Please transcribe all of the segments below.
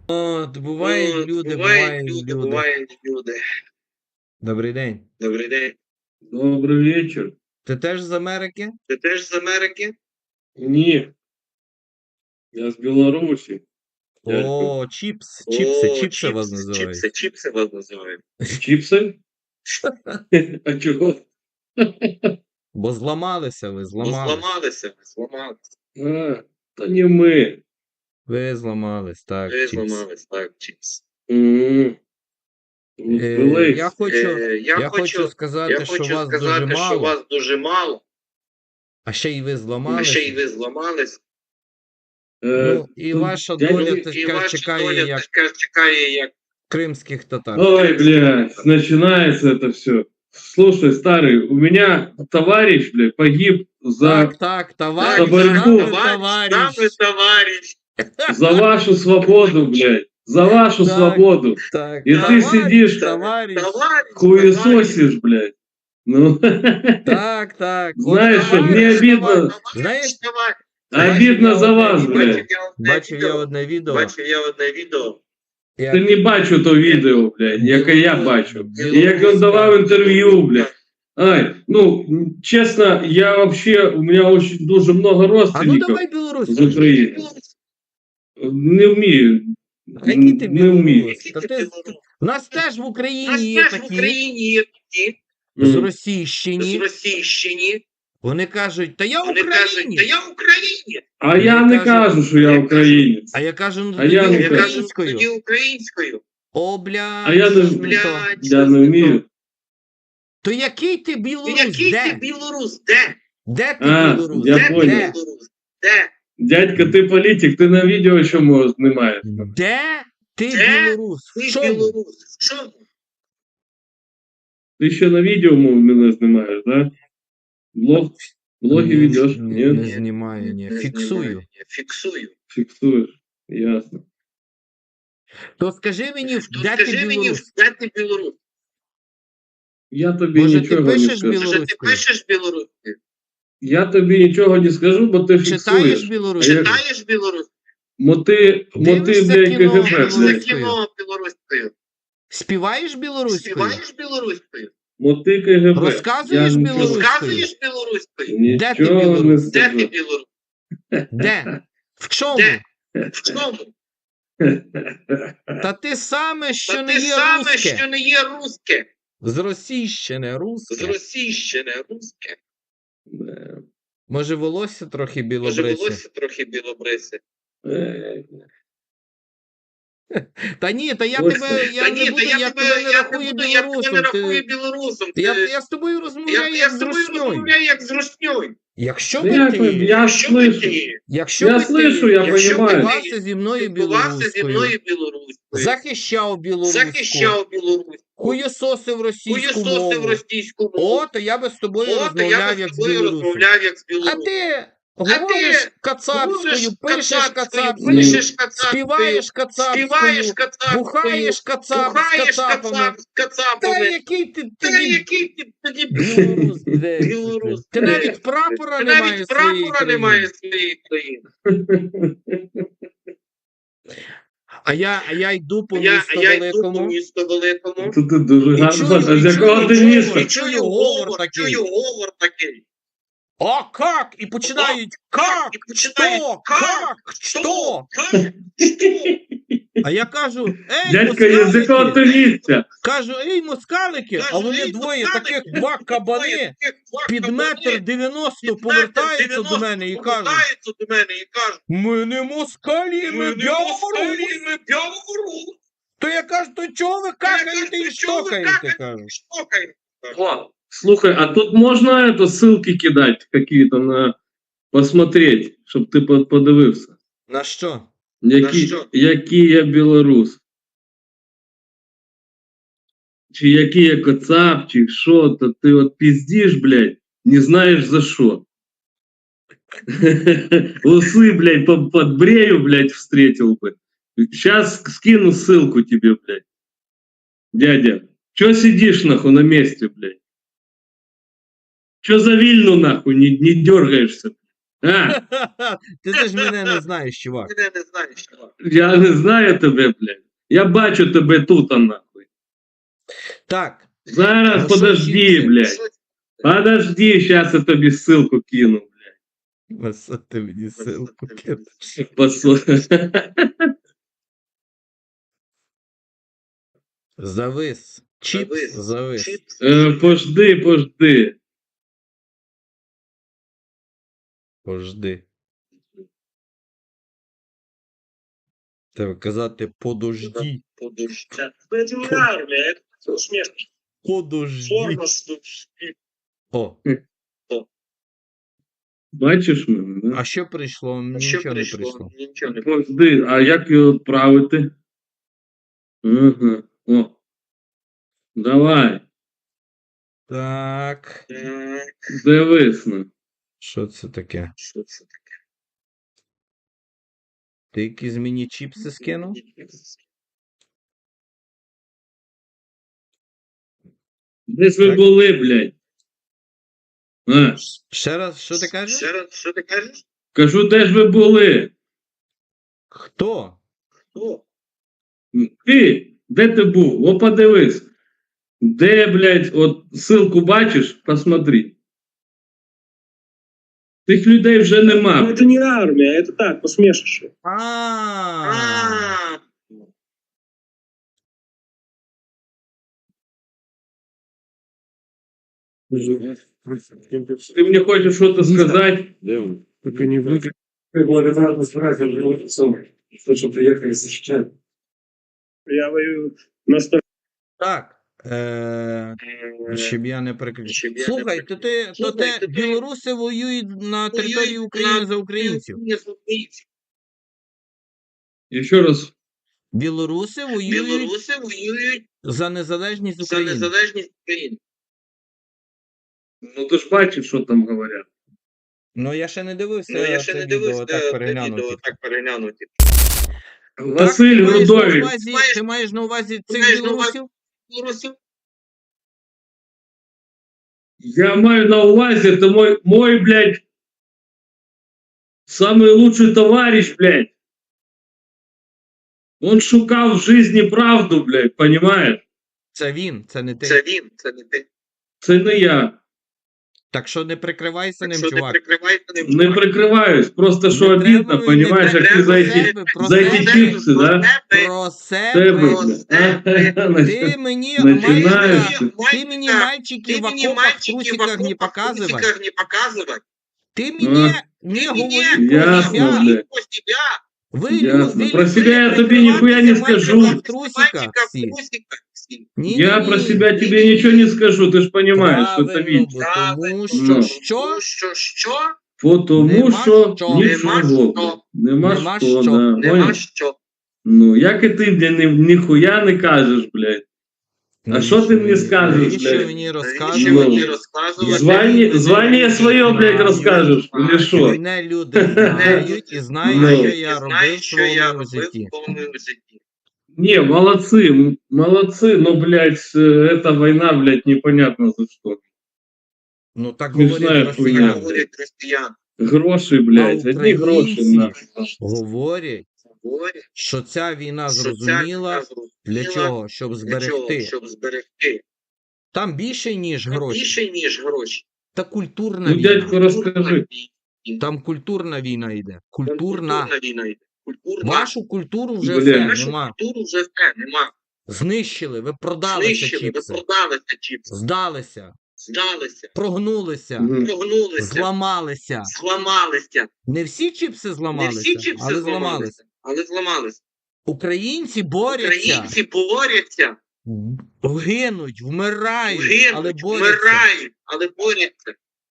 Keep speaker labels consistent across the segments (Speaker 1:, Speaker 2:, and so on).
Speaker 1: От, бувають люди, бувають люди.
Speaker 2: бувають люди.
Speaker 1: Добрий день.
Speaker 2: Добрий день.
Speaker 3: Добрий вечір.
Speaker 1: Ти теж з Америки?
Speaker 2: Ти теж з Америки?
Speaker 3: Ні. Я з Білорусі.
Speaker 1: О, чіпси вас називають.
Speaker 2: Чіпси вас називають.
Speaker 3: Чіпси? А чого?
Speaker 1: Бо зламалися ви,
Speaker 2: Зламалися.
Speaker 3: А, то не ми.
Speaker 1: Ви зламались, так,
Speaker 2: Ви
Speaker 1: чіпс.
Speaker 2: зламались, так, чіпс.
Speaker 1: Я хочу сказати, що вас дуже мало. А ще й ви зламалися. Ну, і ваша доля така чекає, як кримських татар.
Speaker 3: Ой, блядь, начинается это все. Слушай, старый, у меня товарищ, блядь, погиб за
Speaker 1: товарищ,
Speaker 2: товарищ.
Speaker 3: За вашу свободу, блядь. За вашу свободу.
Speaker 1: Так,
Speaker 3: И ты сидишь, хуесосишь, блядь. Ну,
Speaker 1: так.
Speaker 3: Знаешь что, мне обидно.
Speaker 1: Знаєш,
Speaker 3: Обидно за вас, блядь.
Speaker 1: Бачив я одне відео.
Speaker 3: Ти не бачу то відео, блядь, яке я бачу. І як він давав інтерв'ю, блядь. Ай, ну, чесно, я вообще, у меня очень дуже много родственников.
Speaker 1: А ну давай білорусь.
Speaker 3: З України. Не вмію.
Speaker 1: А який ти
Speaker 3: Не вмію.
Speaker 1: білорус? У нас теж в Україні є такі. З Російщині. Вони кажуть, та я українець.
Speaker 3: А я не кажу, що я українець.
Speaker 1: А я кажу, ну
Speaker 2: тоді українською.
Speaker 1: О, бля.
Speaker 3: А я не вмію.
Speaker 1: То який ти білорус?
Speaker 2: Де?
Speaker 1: Де ти білорус?
Speaker 3: Я понял.
Speaker 2: Де?
Speaker 3: Дядька, ти політик, ти на відео що знімаєш?
Speaker 1: Де ти білорус? В чому?
Speaker 3: Ти ще на відео мене знімаєш, да? Блоги ведеш?
Speaker 1: Не знімаю, ні.
Speaker 3: Фіксуєш, ясно.
Speaker 1: То скажи мені, де ти білорус?
Speaker 3: Я тобі
Speaker 1: Може,
Speaker 3: нічого
Speaker 1: ти
Speaker 3: не
Speaker 1: пишеш
Speaker 3: скажу.
Speaker 2: білоруською?
Speaker 3: Я тобі нічого не скажу, бо ти фіксуєш.
Speaker 1: Читаєш білоруською?
Speaker 3: Моти, блядь, КГБ, блядь.
Speaker 2: Кіно білоруською.
Speaker 1: Співаєш білоруською?
Speaker 3: Моти КГБ.
Speaker 1: Розказуєш білоруською? Де ти
Speaker 3: Нічого не
Speaker 1: білорус?
Speaker 3: скажу.
Speaker 1: Де? В чому? Та ти саме, що не є русське. З Російщини русське. Може, волосся трохи білобрисе? Та ні, я тебе не рахую білорусом. Я з тобою розмовляю як з русньою. Якщо би ти спілкувався зі мною білоруською, захищав білоруську, хуєсосив російську мову, то я би з тобою розмовляв як з білорусом. А ти говориш кацапською, пишеш кацапською, співаєш кацапською, бухаєш кацапами. Та який ти тоді білорус? Ти навіть прапора немає своєї країни. А я йду по місту великому.
Speaker 3: Тут ти дуже гарно. А з якого ти міста?
Speaker 1: І чую говор такий. А как? І починають как? Що? А я кажу,
Speaker 3: Дядька, я з якого ти місця?
Speaker 1: Кажу, москалики, а вони двоє, таких два кабани, під 1,90 м повертаються до мене і кажуть, ми не москалі, ми бяворуси. То я кажу, то чого ви какаєте і штокаєте, кажу.
Speaker 3: Слухай, а тут можно ссылки кидать какие-то на посмотреть, щоб ти подивився?
Speaker 1: На що?
Speaker 3: Який я білорус? Чи який я кацап, чи що, то ти от пиздиш, блядь, не знаєш за що. Усы, блядь, подбрею, блядь, встретил бы. Сейчас скину ссылку тебе, блядь. Дядя, чё сидишь, нахуй, на месте, блядь? Чё за Вильну, нахуй, не дергаешься? А,
Speaker 1: Ти ж мене не знаєш, чувак.
Speaker 2: Мене не знаєш, чувак.
Speaker 3: я не знаю тебе, блядь. Я бачу тебе тут, а нахуй.
Speaker 1: Так.
Speaker 3: Зараз,
Speaker 1: Ну, що
Speaker 3: подожди,
Speaker 1: чіпси?
Speaker 3: блядь. Подожди, сейчас я тобі ссылку кину, блядь.
Speaker 1: Васа, ти мені ссылку кину. Завис. Чіпс завис.
Speaker 2: Чіпс.
Speaker 3: Пожди.
Speaker 1: Пожди. Треба казати подожди.
Speaker 2: Подожди. Это не армия, это смешно.
Speaker 1: Подожди.
Speaker 2: Форма с-
Speaker 1: О,
Speaker 3: Бачиш мене, да?
Speaker 1: а що прийшло?
Speaker 2: А що
Speaker 1: Нічого не
Speaker 2: прийшло?
Speaker 1: прийшло.
Speaker 2: Нічого не
Speaker 3: Пожди, а як його відправити? Ага, о. Давай,
Speaker 1: Так.
Speaker 2: Так,
Speaker 3: дивись. Ну.
Speaker 1: Що це таке?
Speaker 2: що це таке?
Speaker 1: Ти якісь мені чіпси скинув?
Speaker 3: Де ж ви
Speaker 1: Так.
Speaker 3: були, блядь? А,
Speaker 1: Ще раз, що ти кажеш?
Speaker 2: Ще раз, що ти кажеш?
Speaker 3: кажу, де ж ви були?
Speaker 1: Хто?
Speaker 2: Хто?
Speaker 3: Ти, де ти був? О, подивись. Де, блядь, от ссылку бачиш? Посмотри. Тих людей вже нема.
Speaker 4: Ну, это не армия, это так, посмешище.
Speaker 2: А,
Speaker 3: Ти мені хочеш щось сказати?
Speaker 4: Только не выиграть. Благодарность братьям животцам, что приехали защищать. Я воюю на стороне.
Speaker 1: Так. Щоб я не переключив.
Speaker 2: Щоб я не
Speaker 1: Слухай, то ти
Speaker 2: Слухай, то ти-
Speaker 1: білоруси воюють на території України за українців.
Speaker 3: І ще раз.
Speaker 1: Білоруси воюють
Speaker 2: Білоруси воюють
Speaker 1: за незалежність
Speaker 2: за
Speaker 1: України.
Speaker 2: незалежність України.
Speaker 3: Ну ти ж бачиш, що там говорять.
Speaker 1: Ну я ще не дивився.
Speaker 2: Ну, я ще
Speaker 1: це
Speaker 2: не
Speaker 1: відео,
Speaker 2: дивився,
Speaker 1: так переглянув.
Speaker 2: відео так переглянути.
Speaker 3: Василь
Speaker 1: Так, ти маєш на
Speaker 3: Грудович.
Speaker 1: увазі- Ти маєш на увазі цих
Speaker 2: маєш на увазі-
Speaker 1: білорусів?
Speaker 2: Білорусів?
Speaker 3: Я маю на увазі, это мой, блядь, самый лучший товарищ, блядь. Он шукав в жизни правду, блядь, понимаешь?
Speaker 1: Це він, це не ти.
Speaker 2: Це він, це не ти.
Speaker 3: Це не я.
Speaker 1: Так що не прикривайся
Speaker 2: Так
Speaker 1: ним,
Speaker 2: що не
Speaker 1: чувак.
Speaker 2: прикривайся ним.
Speaker 3: Не прикриваюсь, просто що
Speaker 1: Не
Speaker 3: обідно,
Speaker 1: треба,
Speaker 3: понимаешь,
Speaker 1: не
Speaker 3: як ти
Speaker 1: треба
Speaker 3: за эти,
Speaker 1: себе, про
Speaker 3: за эти
Speaker 1: себе,
Speaker 3: чипсы, да?
Speaker 1: Про
Speaker 3: Тебе,
Speaker 1: себе.
Speaker 3: блядь.
Speaker 1: Ти мені
Speaker 3: Начинаєш.
Speaker 1: ти мені мальчики в окопах в трусиках не показывай.
Speaker 2: не показывай.
Speaker 1: Ты мне не
Speaker 2: Ты
Speaker 1: говори
Speaker 2: мне
Speaker 1: про
Speaker 3: ясно,
Speaker 1: себя.
Speaker 3: блядь.
Speaker 2: Про себя.
Speaker 1: Вы,
Speaker 3: Ясно.
Speaker 1: вы
Speaker 3: Про
Speaker 1: любите
Speaker 3: себя я тебе
Speaker 1: прикрываться
Speaker 3: нихуя не
Speaker 1: мальчиком
Speaker 3: скажу.
Speaker 1: в трусиках
Speaker 2: Мальчика в
Speaker 1: всі.
Speaker 2: трусиках всі.
Speaker 3: Я про себя
Speaker 1: не.
Speaker 3: тебе ничего не скажу, ты ж понимаешь, что это
Speaker 1: Правильно,
Speaker 3: вид.
Speaker 1: бо тому
Speaker 3: Ну.
Speaker 1: що,
Speaker 2: Що?
Speaker 3: Потому
Speaker 1: Нема
Speaker 3: що
Speaker 1: що.
Speaker 3: нічого.
Speaker 2: Нема
Speaker 3: Нема
Speaker 1: Нема
Speaker 3: що,
Speaker 1: що.
Speaker 3: да.
Speaker 2: Нема
Speaker 3: Понял?
Speaker 2: що.
Speaker 3: Ну, як і ти, блядь, ніхуя не кажеш, блядь. А що ти мені скажеш,
Speaker 1: Навіщо
Speaker 3: блядь?
Speaker 1: мені
Speaker 2: Навіщо
Speaker 1: розказувати?
Speaker 2: мені розказувати?
Speaker 3: Звання своє, блядь, розкажеш, или що?
Speaker 1: Мене люди знають і знають,
Speaker 3: Ну.
Speaker 1: що я робив в своєму житті.
Speaker 2: житті.
Speaker 3: Не, молодцы, но, блядь, эта война, блядь, непонятно за что.
Speaker 1: Ну так
Speaker 3: Не
Speaker 1: говорять
Speaker 3: знаю,
Speaker 2: Так
Speaker 1: росіяни.
Speaker 2: говорять росіяни.
Speaker 3: Гроші, блядь,
Speaker 1: А
Speaker 3: одні гроші,
Speaker 1: українці?
Speaker 3: нахуй.
Speaker 1: Говорять,
Speaker 2: Говорять,
Speaker 1: що ця війна
Speaker 2: що ця
Speaker 1: зрозуміла
Speaker 2: війна
Speaker 1: для
Speaker 2: зрозуміла,
Speaker 1: чого? Щоб
Speaker 2: для чого?
Speaker 1: зберегти.
Speaker 2: Щоб зберегти.
Speaker 1: Там більше, ніж гроші.
Speaker 2: Більше, ніж гроші.
Speaker 1: Та культурна
Speaker 3: Ну,
Speaker 1: війна.
Speaker 3: дядько, розкажи.
Speaker 1: Там культурна війна йде. Культурна.
Speaker 2: війна йде. Культурна.
Speaker 1: Вашу культуру вже
Speaker 3: Бля.
Speaker 1: все,
Speaker 2: Нашу
Speaker 1: нема.
Speaker 2: культуру вже все, нема.
Speaker 1: Знищили, ви продалися
Speaker 2: Знищили, ви
Speaker 1: чіпси.
Speaker 2: продалися чіпси.
Speaker 1: Здалися,
Speaker 2: Здалися.
Speaker 1: прогнулися,
Speaker 3: Мгм.
Speaker 2: Прогнулися.
Speaker 1: зламалися.
Speaker 2: Зламалися.
Speaker 1: Не всі чіпси
Speaker 2: Не
Speaker 1: зламалися,
Speaker 2: всі чіпси
Speaker 1: але
Speaker 2: зламалися.
Speaker 1: зламалися.
Speaker 2: Але зламалися.
Speaker 1: Українці борються,
Speaker 2: Українці борються.
Speaker 1: гинуть, вмирають, але
Speaker 2: Гинуть,
Speaker 1: борються.
Speaker 2: вмирають, але борються.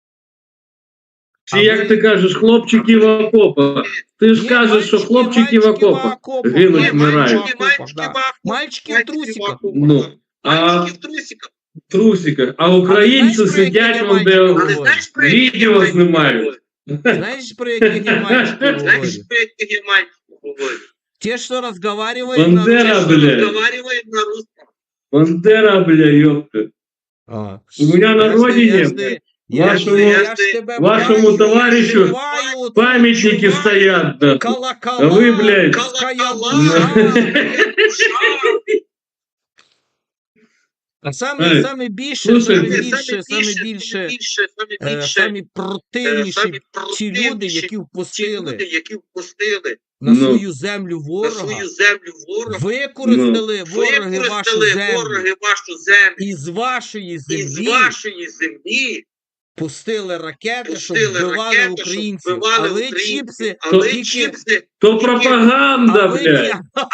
Speaker 3: Чи як ти кажеш, хлопчики в окопах? Ти ж
Speaker 1: Ні,
Speaker 3: кажеш, що
Speaker 1: мальчики,
Speaker 3: хлопчики в
Speaker 1: мальчики
Speaker 3: окопах
Speaker 1: окопах.
Speaker 3: гинуть,
Speaker 1: Ні,
Speaker 3: вмирають.
Speaker 1: мальчики в окопах, да. Мальчики в трусиках.
Speaker 3: Ну, а
Speaker 2: Мальчики в трусиках.
Speaker 3: в трусиках. А українці
Speaker 1: знаєш, про
Speaker 3: сидять,
Speaker 1: які
Speaker 3: вон де
Speaker 1: мальчики
Speaker 2: Але знаєш, про які
Speaker 3: відео
Speaker 2: мальчики
Speaker 3: знімають.
Speaker 2: говорять?
Speaker 1: Знаєш, про яких я мальчиків
Speaker 2: Знаєш,
Speaker 1: говорю?
Speaker 2: про які мальчики говорять?
Speaker 1: Те, що розговаривають на
Speaker 3: Бандера,
Speaker 1: русском.
Speaker 3: блядь.
Speaker 2: Розговаривають на русском.
Speaker 3: Бандера, бля, ёпта.
Speaker 1: А.
Speaker 3: У меня на
Speaker 1: Я ж не-
Speaker 3: родине,
Speaker 1: я ж не-
Speaker 3: блядь,
Speaker 1: Я ж тебе
Speaker 3: вашому
Speaker 1: бачу,
Speaker 3: товаришу
Speaker 1: відчуваю оцю
Speaker 3: пам'ятники
Speaker 1: відчуваю
Speaker 3: стоять, да.
Speaker 1: колокола,
Speaker 3: А ви, блядь,
Speaker 1: пуская
Speaker 2: колокола.
Speaker 1: душа. А саме більше, самі противніші ті люди, які впустили на
Speaker 3: Ну.
Speaker 1: свою землю ворога, використали вороги вашу землю, і з вашої землі пустили ракети, щоб вбивали українців. А ви, чіпси, тільки...
Speaker 3: То пропаганда,
Speaker 1: А ви
Speaker 3: блядь.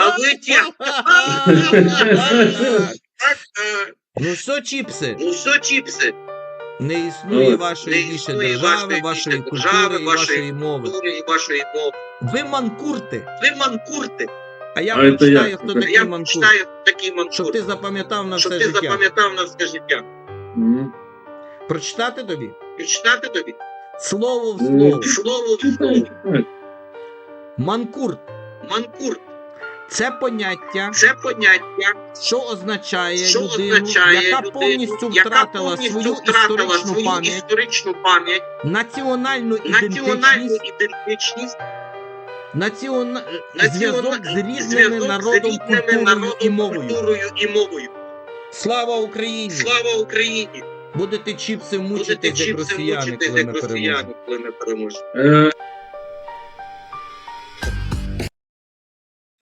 Speaker 1: Ну що, чіпси,
Speaker 2: Ну що, чіпси?
Speaker 1: не існує
Speaker 3: Ну,
Speaker 1: вашої більше держави, вашої культури і вашої мови.
Speaker 2: і вашої мови.
Speaker 1: Ви манкурти.
Speaker 2: Ви манкурти.
Speaker 1: А я
Speaker 3: А це
Speaker 1: прочитаю,
Speaker 3: як?
Speaker 1: хто
Speaker 3: Я
Speaker 1: такий
Speaker 2: Я
Speaker 1: манкурт.
Speaker 2: читаю такий
Speaker 1: Щоб
Speaker 2: манкурт.
Speaker 1: ти запам'ятав на
Speaker 2: Щоб
Speaker 1: все
Speaker 2: ти
Speaker 1: життя.
Speaker 2: запам'ятав на все життя.
Speaker 3: Мгм.
Speaker 1: Прочитати тобі?
Speaker 2: Читати тобі?
Speaker 1: Слово в
Speaker 3: Ну,
Speaker 1: слово.
Speaker 2: Слово в слово.
Speaker 1: Манкурт.
Speaker 2: Манкурт.
Speaker 1: Це поняття,
Speaker 2: Це поняття,
Speaker 1: що означає
Speaker 2: що
Speaker 1: людину,
Speaker 2: означає
Speaker 1: яка
Speaker 2: людину,
Speaker 1: повністю
Speaker 2: яка
Speaker 1: втратила
Speaker 2: повністю
Speaker 1: свою
Speaker 2: втратила
Speaker 1: історичну
Speaker 2: свою
Speaker 1: пам'ять,
Speaker 2: історичну пам'ять,
Speaker 1: національну
Speaker 2: національну
Speaker 1: ідентичність,
Speaker 2: ідентичність,
Speaker 1: зв'язок з різними
Speaker 2: зв'язок
Speaker 1: народом,
Speaker 2: з різними
Speaker 1: культурою і
Speaker 2: народом,
Speaker 1: мовою.
Speaker 2: культурою і мовою.
Speaker 1: Слава Україні!
Speaker 2: Слава Україні!
Speaker 1: Будете чіпси
Speaker 2: Будете
Speaker 1: мучитись, як
Speaker 2: чіпси
Speaker 1: росіяни,
Speaker 2: мучитись,
Speaker 1: коли
Speaker 2: як
Speaker 1: ми переможемо.
Speaker 2: росіяни, коли ми переможемо.